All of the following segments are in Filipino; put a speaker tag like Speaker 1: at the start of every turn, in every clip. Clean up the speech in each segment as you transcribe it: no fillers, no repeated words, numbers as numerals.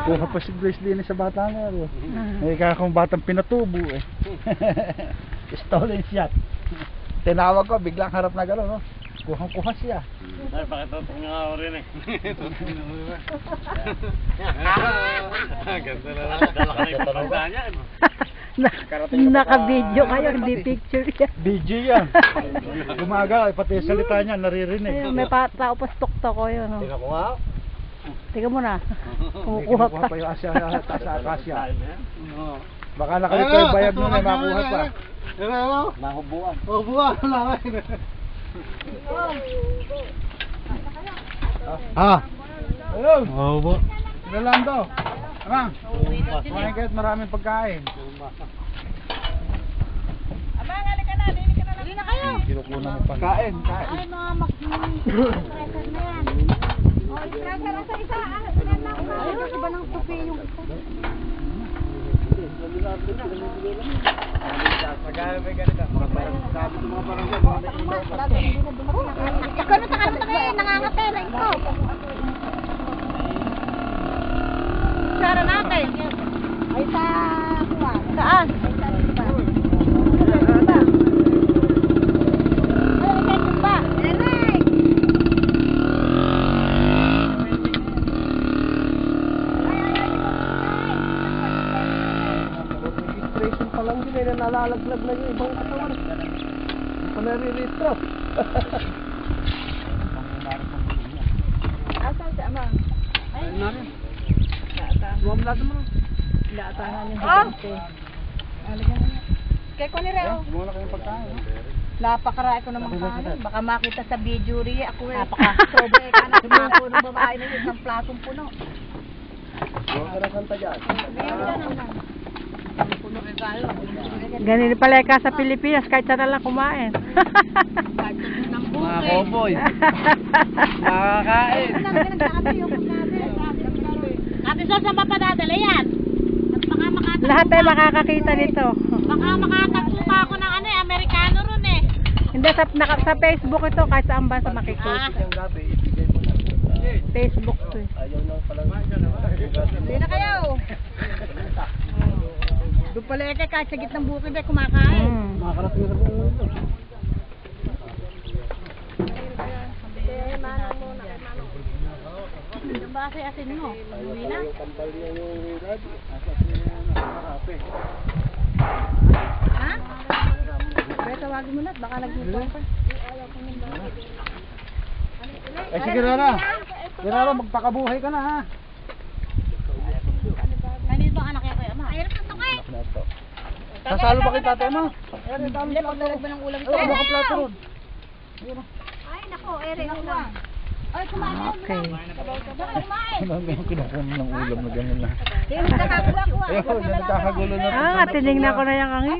Speaker 1: Kuha pa si Grace din sa bata na yun. Eh, kaya kung batang pinatubo eh. Stolen shot. Tinawag ko, biglang harap na gano'n, no? Kuhang-kuha siya.
Speaker 2: Ay, pakitotong nga ako rin eh. Ganda na lang. Dala ka na yung patanda niya.
Speaker 3: Naka-video kayo, hindi picture yan.
Speaker 1: Video yan. Gumaga, pati yung salita niya, naririnig.
Speaker 3: Ayun, may tao pa stok-tok ko yun. Oh.
Speaker 2: Tingnan ko nga.
Speaker 3: Tingnan mo na.
Speaker 1: May
Speaker 3: Kumukuha
Speaker 1: kinukuha
Speaker 3: pa.
Speaker 1: pa yung akasya. Baka nakalito yung bayag nun ay makuha pa.
Speaker 2: Mahubuan.
Speaker 1: Mahubuan lang. Ah. Ayun.
Speaker 2: Mahubo.
Speaker 1: Rolando. Amang. Kumain kayo at maraming pagkain.
Speaker 4: Abang, halika na, dili na kayo.
Speaker 1: Kinukuna mo pa. Kain.
Speaker 4: Ay, mga mag-treasure na yan. O, i-treasure sa isa. Ilan lang ba? Ay, iba ng tupi yung ito. Ikaw na sa kanan na nangangapela ito. Sara natin. Ay, sa kuwan. Saan? Ay, sa iba.
Speaker 1: Registration pa lang din ay nalalaglag na yung ibang katawan. Hindi pa nare-retro.
Speaker 4: Asan si Amang? Ay,
Speaker 1: Suwam natin mo.
Speaker 3: Laatahan yung
Speaker 4: Ah!
Speaker 3: higante.
Speaker 4: kaya ko ni Reo.
Speaker 1: Gumawa na kayong pagkain.
Speaker 4: Napakaray ko naman kanin. Baka makita sa video rin ako eh. Sobrang ka na tumako ng babae na yun. Isang platong puno.
Speaker 1: Gumawa ka na kanta dyan.
Speaker 4: Puno rin tayo.
Speaker 3: Ganun pala ka sa Pilipinas, kahit saan na lang kumain.
Speaker 1: Mga cowboy. Makakain.
Speaker 4: Ate Sol, saan pa padadala yan? At baka makatagpo
Speaker 3: Lahat ay makakakita nito.
Speaker 4: Baka makatagpo pa ako ng ano eh, Amerikano ron eh.
Speaker 3: Hindi, sa Facebook ito, kahit saan ba sa makikita. Facebook to eh.
Speaker 4: Hindi na kayo. Doon pala eh, kahit sa gitnang bukid eh, kumakain.
Speaker 1: Makakarating na rin.
Speaker 4: Ano ba kasi asin mo? Uwi na? Ha? Kaya tawagin mo na at baka nagluto pa.
Speaker 1: Eh sige Rara. Rara, magpakabuhay ka na ha.
Speaker 4: Kanino bang anak yan kayo, ama? Ayun ang tukay!
Speaker 1: Sasalo ba kay tatay mo?
Speaker 4: Hindi, pagdalog ba ng ulam ito?
Speaker 1: Ay, baka plato ron.
Speaker 4: Ay, nako, ere ako lang. Ay, kumain na.
Speaker 3: Okay.
Speaker 4: Kumain.
Speaker 1: Ano yung kinukuha ng ulam na gano'n na?
Speaker 4: Hindi, nagkakagulo.
Speaker 1: Ayun, nagkakagulo na.
Speaker 3: Ah, tinignan ko na yung angin.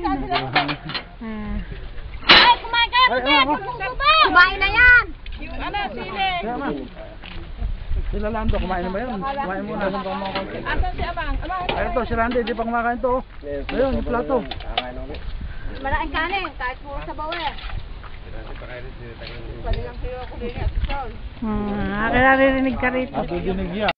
Speaker 4: Ay, kumain kayo, kumain na yan! Yung ano, sili.
Speaker 1: Kaya ma. Sila Lando, kumain na ba yun? Kumain muna.
Speaker 4: Asan si Abang?
Speaker 1: Ayun to, si Randy, di pa kumakain to. Ayun, yung plato.
Speaker 4: Malaking kanin, kahit puro sa bawer. Palilang sila ko din at sol.
Speaker 3: Kaya narinig ka rito.
Speaker 1: At dinig yan.